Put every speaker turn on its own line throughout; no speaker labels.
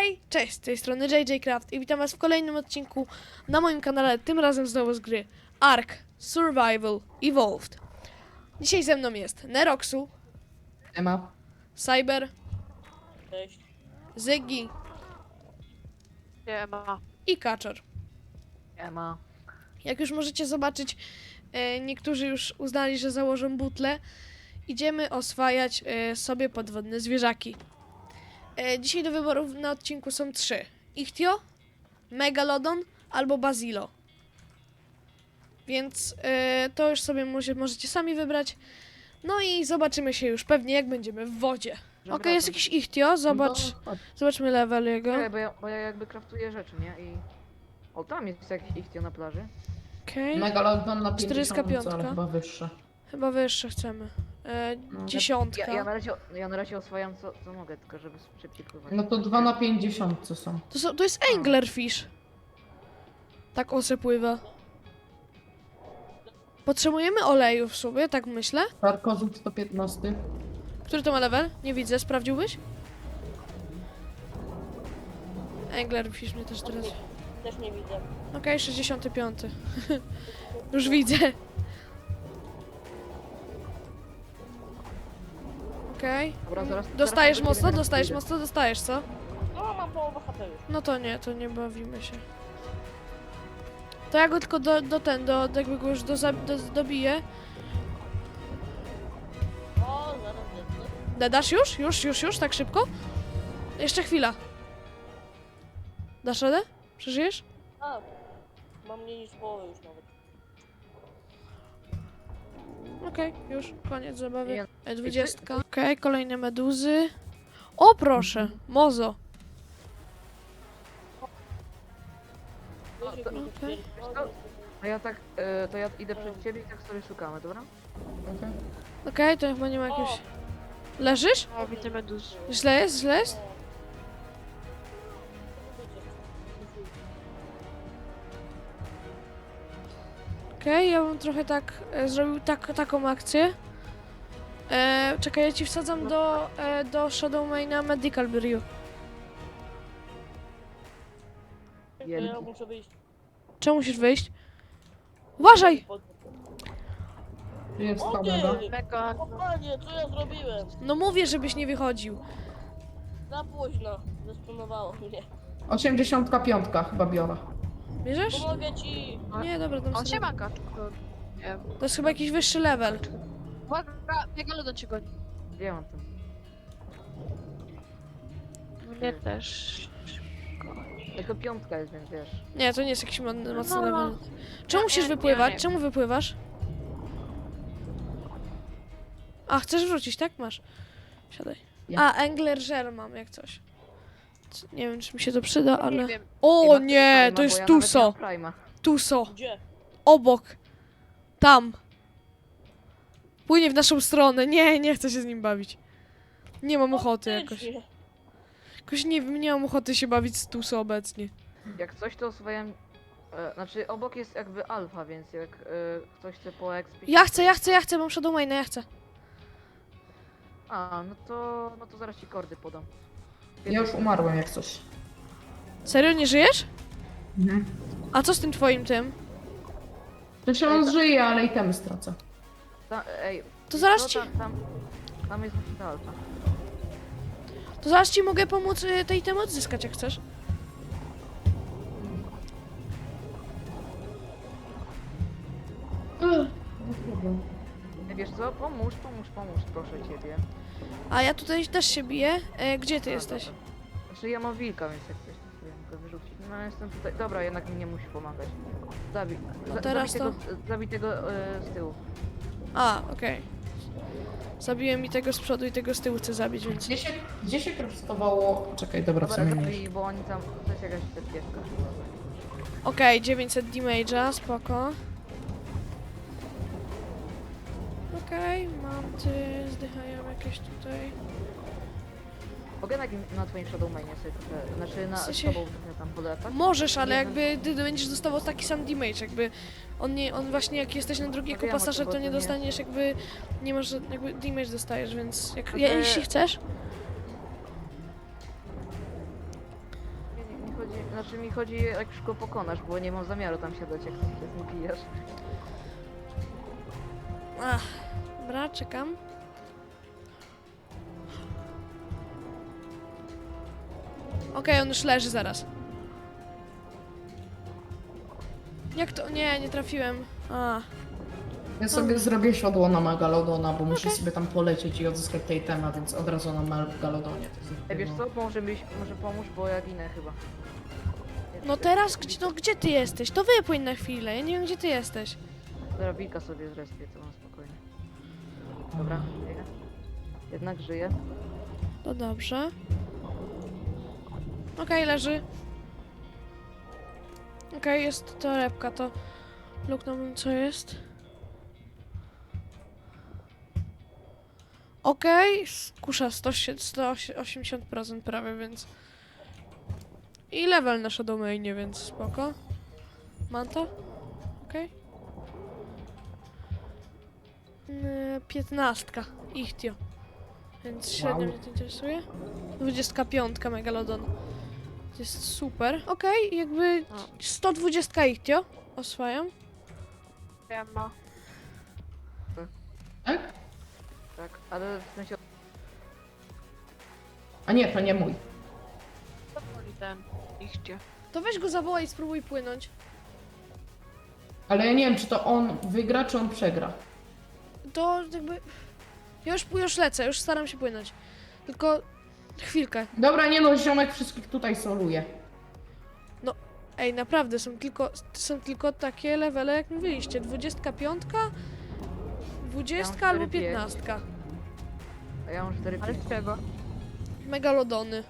Hej, cześć, z tej strony JJ Craft i witam was w kolejnym odcinku na moim kanale, tym razem znowu z gry Ark Survival Evolved. Dzisiaj ze mną jest Neroxu,
Ema.
Cyber,
Cześć.
Ziggy
Siema.
i Kaczor.
Siema.
Jak już możecie zobaczyć, niektórzy już uznali, że założą butlę. Idziemy oswajać sobie podwodne zwierzaki. Dzisiaj do wyborów na odcinku są 3. Ichtio, Megalodon albo Bazilo. Więc to już sobie możecie sami wybrać. No i zobaczymy się już pewnie, jak będziemy w wodzie. Okej, jest jakiś Ichtio, zobacz. Zobaczmy level jego.
Czekaj, bo ja jakby craftuję rzeczy, nie? I... O, tam jest jakiś ichtio na plaży.
Okej,
Megalodon na 50,
45.
ale chyba wyższe.
chyba wyższe chcemy.
No.
10.
Ja na razie oswajam co mogę, tylko żeby szybciej pływać.
No to 2 na 50 są.
To jest anglerfish. Tak ose pływa. Potrzebujemy oleju w sobie, tak myślę.
Tarkozut 115.
Który to ma level? Nie widzę, sprawdziłbyś? Anglerfish mnie też teraz...
Też nie widzę.
Okej, 65. Już widzę. Okej.
Dobra, zaraz...
Dostajesz
zaraz
mocno?
będę
Dostajesz
pójdę.
mocno? Dostajesz, co?
No, mam połowę HP już.
No to nie bawimy się. To ja go tylko jakby go już dobiję.
O, zaraz lecę.
Dasz już? Już? Tak szybko? Jeszcze chwila. Dasz radę? Przeżyjesz?
A, mam mniej niż połowę już nawet.
Okej, już. Koniec zabawy.
Nie.
20. Okej, kolejne meduzy. O, proszę. Mozo.
Wiesz, jak mi to
Okej.
twierdzi?
A ja tak, to ja idę przed ciebie i tak sobie szukamy, dobra?
Okay.
Okej, to chyba nie ma jakiegoś... Leżysz?
O, widzę meduz.
Źle jest? Źle jest? Okej, ja bym trochę tak zrobił taką akcję. Czekaj, ja ci wsadzam do Shadowmaina Medical Brew.
Ja muszę wyjść.
Czemu musisz wyjść? Uważaj!
Jest
O
kamera.
ty! Mega. O panie, co ja zrobiłem?
No mówię, żebyś nie wychodził.
Za późno. Zesponowało mnie.
85 chyba biorę.
Bierzesz?
Pomogę ci!
Nie, dobra, dam
On
sobie.
się ma kaczko. Nie.
To jest chyba jakiś wyższy level.
Uwaga, Megalodon cię goni.
Gdzie mam tam?
Mnie też.
Tylko piątka jest, więc wiesz.
Nie, to nie jest jakiś mocny
No.
level. Czemu musisz
nie,
wypływać?
nie.
Czemu wypływasz? A, chcesz wrócić, tak? Masz. Siadaj.
Ja.
A, Angler mam jak coś. Nie wiem, czy mi się to przyda, ale...
Nie wiem.
O nie, to
Prime'a,
jest
bo ja nawet
Tuso.
nie mam Prime'a.
Tuso.
Gdzie?
Obok. Tam. Płynie w naszą stronę. Nie chcę się z nim bawić. Nie mam ochoty jakoś.
Faktycznie.
Jakoś nie wiem, nie mam ochoty się bawić z Tuso obecnie.
Jak coś to oswajam... znaczy obok jest jakby alfa, więc jak ktoś chce poekspić...
Ja chcę, mam Shadowmaina, ja chcę.
A, no to zaraz ci kordy podam.
Ja już umarłem jak coś.
Serio, nie żyjesz?
Mhm.
A co z tym twoim tym?
To się on żyje, ale i temy stracę.
Ej,
To zaraz
no,
ci...
tam jest właśnie ta alfa.
To zaraz ci mogę pomóc tej temy odzyskać, jak chcesz.
Wiesz co, pomóż, proszę ciebie.
A ja tutaj też się biję. Gdzie ty
A,
jesteś?
dobra. Znaczy ja mam wilka, więc jak coś to sobie mogę wyrzucić. No jestem tutaj. Dobra, jednak mi nie musi pomagać. Zabij.
teraz
Zabij tego z tyłu.
A, okej. Zabiłem mi tego z przodu i tego z tyłu chcę zabić, więc...
Gdzie się craftowało? Czekaj, dobra, w
Dobra,
sumie nie.
zabij, bo oni tam. To jest jakaś cerkiewka.
Okej, 900 damage'a, spoko. Okej, mam ty, zdychają jakieś tutaj.
Mogę na twoim Shadowmanie sobie trochę. Znaczy na
W sensie-
tobą trochę tam polepać?
Możesz, ale
Nie,
jakby ty będziesz dostawał taki sam damage, jakby on właśnie jak jesteś na drugiego
Wiem o
pasażer,
tym,
to
bo
nie
to nie-
dostaniesz jakby, nie masz, jakby damage dostajesz, więc jak,
No to-
jeśli chcesz,
znaczy mi chodzi jak szybko pokonasz, bo nie mam zamiaru tam siadać jak się zbijasz.
Ach, dobra, czekam. Okej, on już leży zaraz. Jak to? Nie, nie trafiłem. A,
Ja sobie zrobię siodło na Megalodona, bo muszę
Okej.
sobie tam polecieć i odzyskać tej temat, więc od razu na Megalodonie. To jest
Ej, wiesz
jedno.
co, może pomóż, bo ja ginę chyba.
no teraz, gdzie ty jesteś? To wypłyń na chwilę, ja nie wiem, gdzie ty jesteś.
Dobra, wilka sobie zrespię, to mam spokojnie. Dobra, żyję. Jednak żyję.
To dobrze. Okej, leży. Okej, jest torebka, to luknąłbym, co jest. Okej, kusza 180% prawie, więc... I level na Shadowmainie, więc spoko. Manta? Okej. 15. Ichtio. Więc średnio
Wow.
mnie to interesuje. 25 Megalodon. To jest super. Okej, jakby 120 Ichtio oswajam.
Wiem, ma.
Tak?
Tak, ale w sensie
A nie, to nie mój.
To boli ten. Ichcie.
To weź go zawołaj i spróbuj płynąć.
Ale ja nie wiem, czy to on wygra, czy on przegra.
To jakby... Ja już lecę, już staram się płynąć. Tylko... Chwilkę.
Dobra, nie no, ziomek wszystkich tutaj soluje.
Ej, naprawdę, są tylko takie levele, jak mówiliście. 25, 20
Ja mam
albo
4-5.
15.
a ja mam 4
Ale z czego?
Megalodony.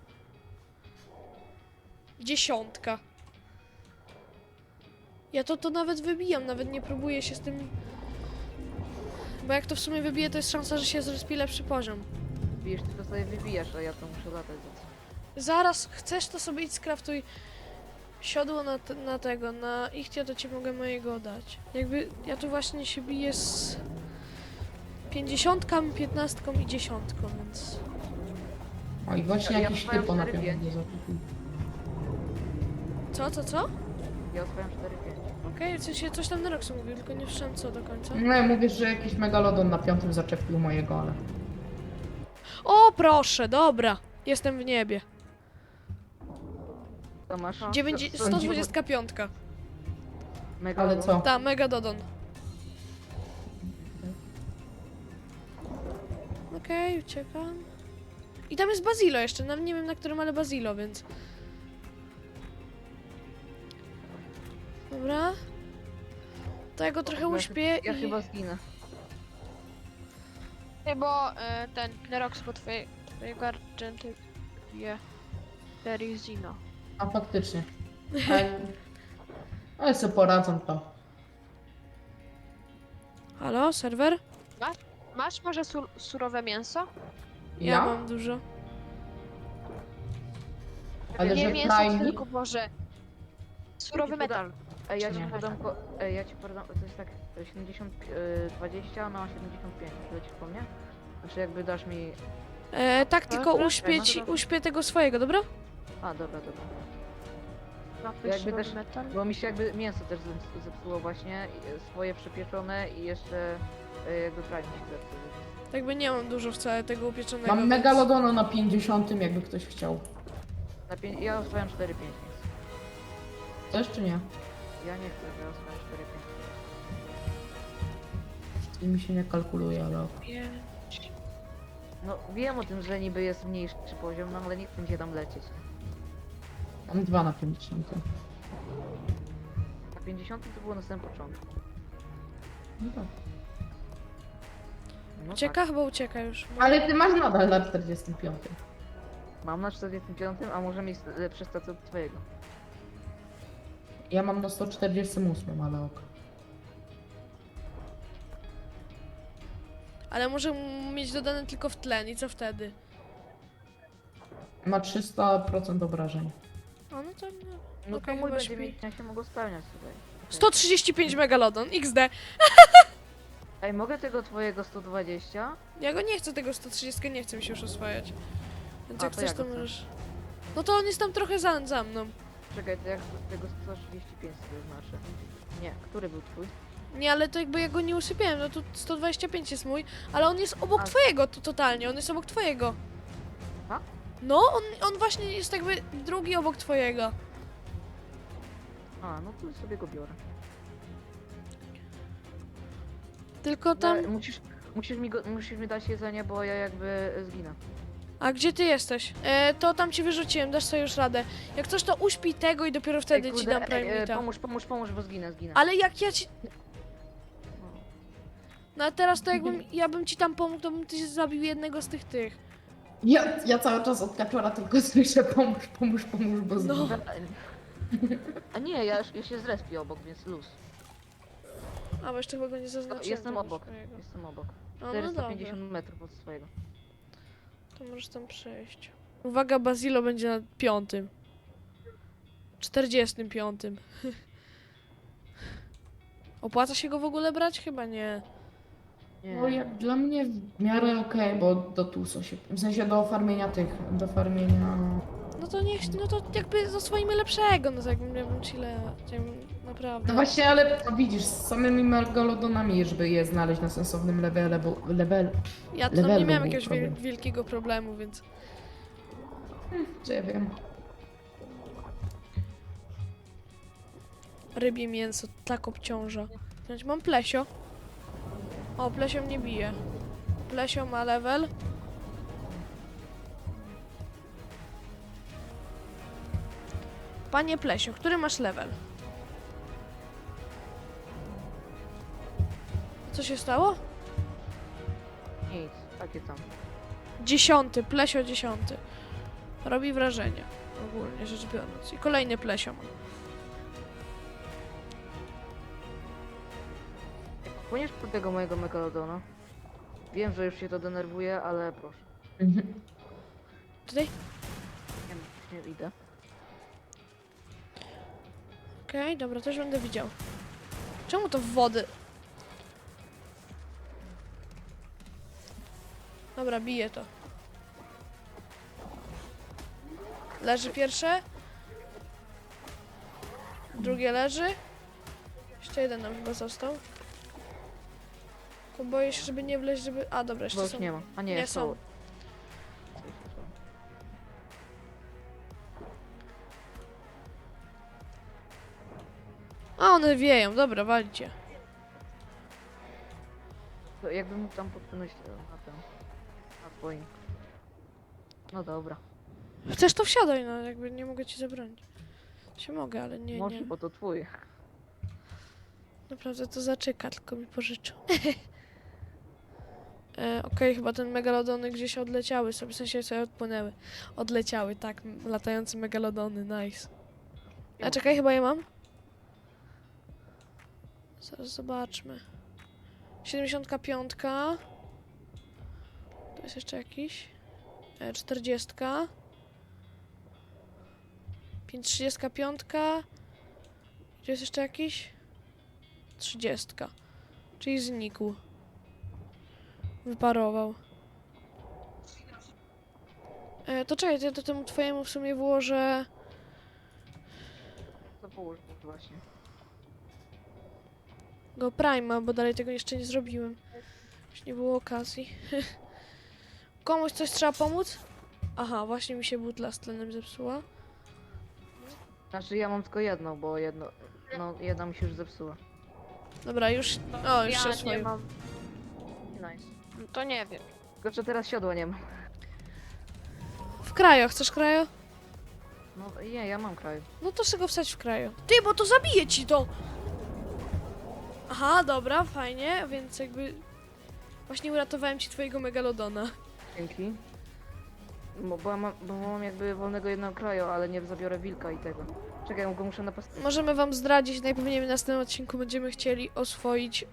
10. Ja to nawet wybijam, nawet nie próbuję się z tym... Bo jak to w sumie wybiję, to jest szansa, że się zrespi lepszy poziom.
bijesz, tylko sobie wybijasz, a ja to muszę latać. Więc...
Zaraz, chcesz to sobie idź skraftuj siodło na Ichtio, to ci mogę mojego dać. Jakby ja tu właśnie się biję z 50, 15 i 10, więc...
O i właśnie
Ja
jakiś
mam
typo na
4-5.
pewno zakupił.
Co?
Ja oswajam 4-5.
Okej, w sensie coś tam Neroxu mówił, tylko nie słyszałem co do końca.
No ja mówię, że jakiś Megalodon na 5 zaczepił mojego, ale...
O, proszę, dobra. Jestem w niebie.
To masz?
125.
Mega
Ale co?
Ta, Megadodon. Okej, uciekam. I tam jest Bazilo jeszcze, nawet nie wiem na którym, ale Bazilo, więc... Dobra. To ja go trochę uśpię
Ja
i...
chyba zginę.
Nie, bo ten Nerox po twojego Argenty je Terizino.
A faktycznie. Ale sobie poradzą to.
Halo, serwer?
Masz może surowe mięso?
Ja mam dużo.
Ale
Nie
że
mięso,
Prime...
tylko może surowy metal.
Ej, ja ci
Nie.
podam, ja ci podam, to jest tak 70, 20 na 75, lecisz po mnie? Znaczy jakby dasz mi...
Tak, tylko
Dobra,
uśpię tego swojego, dobra?
A, dobra.
Ma
Jakby
jakby surowy
też-
metal?
Bo mi się jakby mięso też zepsuło właśnie, swoje przepieczone i jeszcze jakby prime mi się zepsuł.
Jakby nie mam dużo wcale tego upieczonego.
Mam
więc-
Megalodona na 50, jakby ktoś chciał.
Ja oswajam 4-5 nie chcę.
Chcesz czy nie?
Ja nie chcę, ja oswajam 4-5.
I mi się nie kalkuluje, ale...
No wiem o tym, że niby jest mniejszy poziom, no ale nie chcę mi się tam lecieć.
Mam 2 na 50.
Na 50 to było na samym początku.
No tak.
No
Ucieka? Chyba ucieka już.
Ale ty masz nadal na 45.
Tak. Mam na 45, a może mieć lepsze stacje od twojego.
Ja mam na 148, ale ok.
Ale może mieć dodane tylko w tlen i co wtedy?
Ma 300% obrażeń.
O, no to...
No
Okej,
to mój
chyba
będzie
śpi.
mieć, ja się mogło spełniać tutaj.
135 Megalodon, XD.
Ej, mogę tego twojego 120?
Ja go nie chcę, tego 130 nie chcę mi się już oswajać. Więc
A,
jak
to
chcesz,
ja
to
go chcę.
możesz... No to on jest tam trochę za mną.
Czekaj, to jak z tego 135 sobie znaczy? Nie, który był twój?
Nie, ale to jakby ja go nie usypiałem, no to 125 jest mój, ale on jest obok
A.
twojego, to totalnie, on jest obok twojego.
A?
No, on właśnie jest jakby drugi obok twojego.
A, no to sobie go biorę.
Tylko tam...
Musisz mi dać jedzenie, bo ja jakby zginę.
A gdzie ty jesteś? To tam ci wyrzuciłem, dasz sobie już radę. Jak coś, to uśpij tego i dopiero wtedy ci dam Prime
pomóż, bo zginę.
Ale jak ja ci... No a teraz to jakbym, ja bym ci tam pomógł, to bym ty zabił jednego z tych.
Ja cały czas od kaczora tylko słyszę pomóż, bo
No.
zginę.
A nie, ja się zrespię obok, więc luz.
A, bo jeszcze chyba go nie zaznaczyłem.
Jestem
tego
obok,
swojego.
jestem obok.
A, no dobra,
450 metrów od swojego.
to możesz tam przejść. Uwaga, Bazilo będzie na 5. 45. Opłaca się go w ogóle brać? Chyba nie.
Nie.
No jak dla mnie w miarę okej, bo do TUSO się, w sensie do farmienia do farmienia...
No to niech, no to jakby zaswoimy lepszego, no to jakbym ja bym ci naprawdę.
No właśnie, ale widzisz, z samymi megalodonami, żeby je znaleźć na sensownym levelu,
Ja tam nie
levelu
miałem
był
jakiegoś
problem.
wielkiego problemu, więc...
Co ja wiem.
Rybie mięso tak obciąża. Znaczy, mam plesio. O, plesio mnie bije. Plesio ma level. Panie Plesio, który masz level? Co się stało?
Nic, takie tam.
10, Plesio 10. Robi wrażenie, ogólnie rzecz biorąc. I kolejny Plesio ma.
Płyniesz po tego mojego megalodona? Wiem, że już się to denerwuje, ale proszę.
Tutaj?
Nie idę.
Okej, dobra, też będę widział. Czemu to w wody? Dobra, biję to. Leży pierwsze. Drugie leży. Jeszcze jeden nam chyba został. Tylko boję się, żeby nie wleźć, żeby... A, dobra,
Bo
jeszcze
już
są.
nie ma. A nie,
Nie
są.
są. A, one wieją. Dobra, walcie.
To jakbym mógł tam podpłynąć na ten. Na twoim. No dobra.
Chcesz, to wsiadaj, no jakby nie mogę ci zabronić. Się mogę, ale nie,
Może,
nie.
bo to twój.
Naprawdę to zaczyka, tylko mi pożyczył. Okej, chyba ten megalodony gdzieś odleciały sobie, w sensie sobie odpłynęły. Odleciały, tak, latające megalodony, nice. A czekaj, chyba je mam? Zaraz zobaczmy. 75. Tu jest jeszcze jakiś. 40. 35. Gdzie jest jeszcze jakiś? 30. Czyli znikł. Wyparował. To czekaj, to ja to temu twojemu w sumie włożę...
To połóż właśnie.
go Prima, bo dalej tego jeszcze nie zrobiłem. Już nie było okazji. Komuś coś trzeba pomóc? Aha, właśnie mi się butla z tlenem zepsuła.
Znaczy ja mam tylko jedną, bo jedno. No jedna mi się już zepsuła.
Dobra, już... O, już się
Ja nie
oswoił.
mam.
Nice.
No to nie wiem.
Tylko że teraz siodła nie ma.
W krajo, chcesz krajo?
No nie, ja mam kraj.
No to sobie go wsadź w krajo. Ty, bo to zabije ci to! Aha, dobra, fajnie, więc jakby... Właśnie uratowałem ci twojego megalodona.
Dzięki. Bo mam jakby wolnego jednego kraju, ale nie zabiorę wilka i tego. Czekaj, go muszę napastować.
Możemy wam zdradzić, najpewniej w następnym odcinku będziemy chcieli oswoić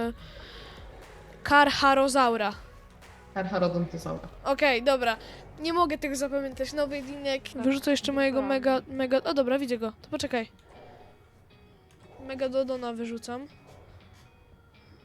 Karcharozaura.
Karcharodontyzaura.
Okej, dobra. Nie mogę tego zapamiętać. Nowy linek. Wyrzucę jeszcze mojego mega... O dobra, widzę go. To poczekaj. Megalodona wyrzucam.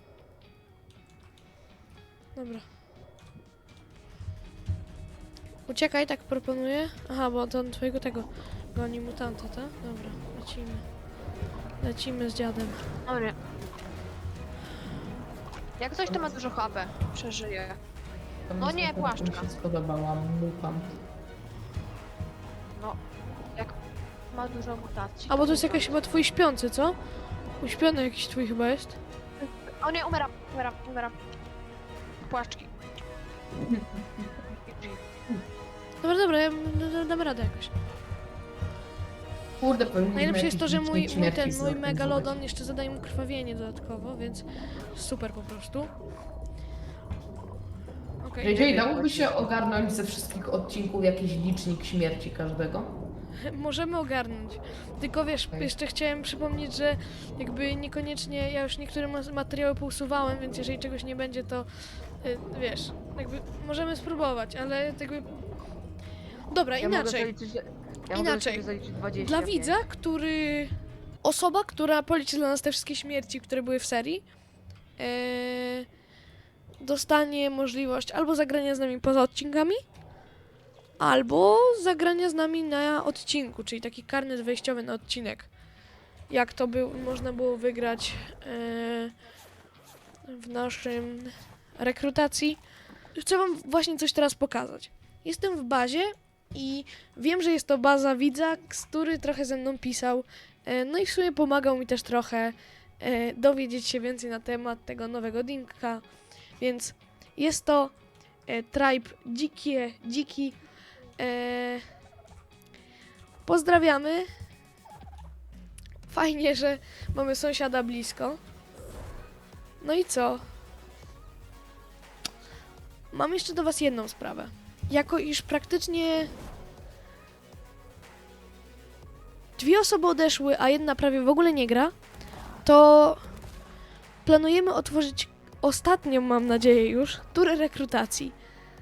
Dobra. Uciekaj, tak proponuję. Aha, bo to twojego tego goni mutanta, tak? Dobra, lecimy. Lecimy z dziadem.
Dobra. Jak coś to ma dużo HP. Przeżyje.
To
No
mi
nie,
się
płaszczka.
spodobała mutant.
No, jak ma dużo mutacji.
A bo to jest jakaś chyba twój śpiący, co? Uśpiony jakiś twój chyba jest.
O nie, umieram. Płaszczki.
Dobra, ja dam radę jakoś.
Kurde, powinniśmy
Najlepsze jest to, że
jakiś
mój
licznik śmierci
mój
zorganizować.
megalodon jeszcze zadaje mu krwawienie dodatkowo, więc super po prostu. Okej,
JJ, dałoby się ogarnąć ze wszystkich odcinków jakiś licznik śmierci każdego?
możemy ogarnąć. Tylko wiesz,
Okej.
jeszcze chciałem przypomnieć, że jakby niekoniecznie, ja już niektóre materiały pousuwałem, więc jeżeli czegoś nie będzie, to wiesz, jakby możemy spróbować, ale jakby... Dobra,
Ja mogę
inaczej.
zaliczyć, ja mogę do
Inaczej.
siebie zaliczyć 20.
Dla widza, który... Osoba, która policzy dla nas te wszystkie śmierci, które były w serii, dostanie możliwość albo zagrania z nami poza odcinkami, albo zagrania z nami na odcinku, czyli taki karnet wejściowy na odcinek. Jak to można było wygrać w naszym rekrutacji. Chcę wam właśnie coś teraz pokazać. Jestem w bazie i wiem, że jest to baza widza, który trochę ze mną pisał. No i w sumie pomagał mi też trochę dowiedzieć się więcej na temat tego nowego dinka. Więc jest to tribe dziki. Pozdrawiamy. Fajnie, że mamy sąsiada blisko. No i co? Mam jeszcze do was jedną sprawę. Jako iż praktycznie 2 osoby odeszły, a jedna prawie w ogóle nie gra, to planujemy otworzyć ostatnią, mam nadzieję już, turę rekrutacji.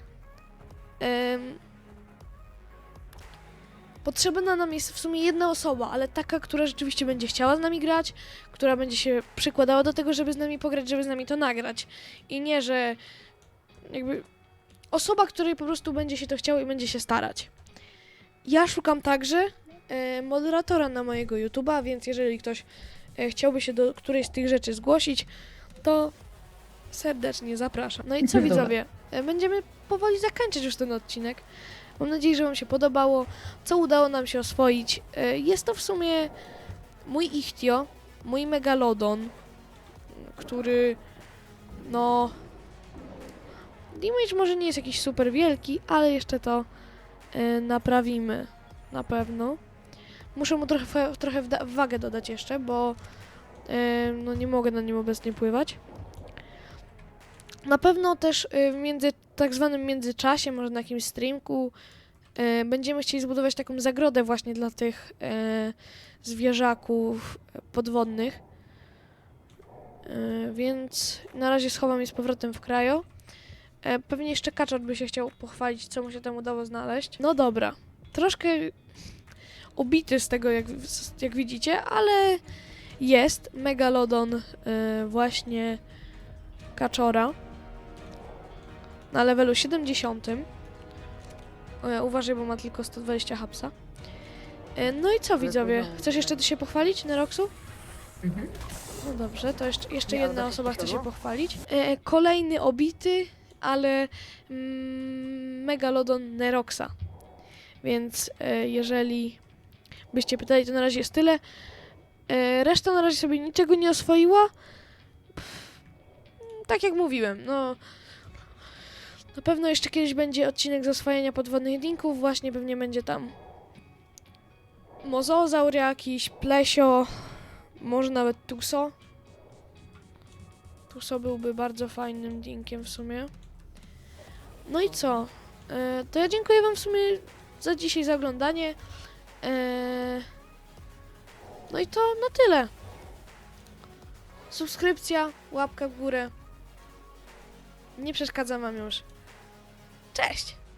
Potrzebna nam jest w sumie jedna osoba, ale taka, która rzeczywiście będzie chciała z nami grać, która będzie się przykładała do tego, żeby z nami pograć, żeby z nami to nagrać. I nie, że jakby osoba, której po prostu będzie się to chciało i będzie się starać. Ja szukam także moderatora na mojego YouTube'a, więc jeżeli ktoś chciałby się do którejś z tych rzeczy zgłosić, to serdecznie zapraszam. No i co
Dobra.
widzowie, będziemy powoli zakończyć już ten odcinek. Mam nadzieję, że wam się podobało, co udało nam się oswoić. Jest to w sumie mój Ichtio, mój Megalodon, który no... Damage może nie jest jakiś super wielki, ale jeszcze to naprawimy na pewno. Muszę mu trochę wagę dodać jeszcze, bo no nie mogę na nim obecnie pływać. Na pewno też w tak zwanym międzyczasie, może na jakimś streamku, będziemy chcieli zbudować taką zagrodę właśnie dla tych zwierzaków podwodnych. Więc na razie schowam je z powrotem w krajo. Pewnie jeszcze Kaczor by się chciał pochwalić, co mu się tam udało znaleźć. No dobra, troszkę ubity z tego, jak widzicie, ale jest Megalodon właśnie Kaczora na levelu 70. Uważaj, bo ma tylko 120 hapsa. No i co widzowie? Chcesz jeszcze się pochwalić, Neroxu?
Mhm.
No dobrze, to jeszcze
Nie,
jedna
ale
osoba chce się
czego?
pochwalić. Kolejny obity, ale Megalodon Neroxa. Więc jeżeli byście pytali, to na razie jest tyle. Reszta na razie sobie niczego nie oswoiła. Tak jak mówiłem, no... Na pewno jeszcze kiedyś będzie odcinek z oswajania podwodnych dinków. Właśnie pewnie będzie tam mozozaur jakiś, plesio, może nawet tuso. Tuso byłby bardzo fajnym dinkiem w sumie. No i co? To ja dziękuję wam w sumie za dzisiaj, za oglądanie. No i to na tyle. Subskrypcja, łapka w górę. Nie przeszkadzam wam już. Cześć!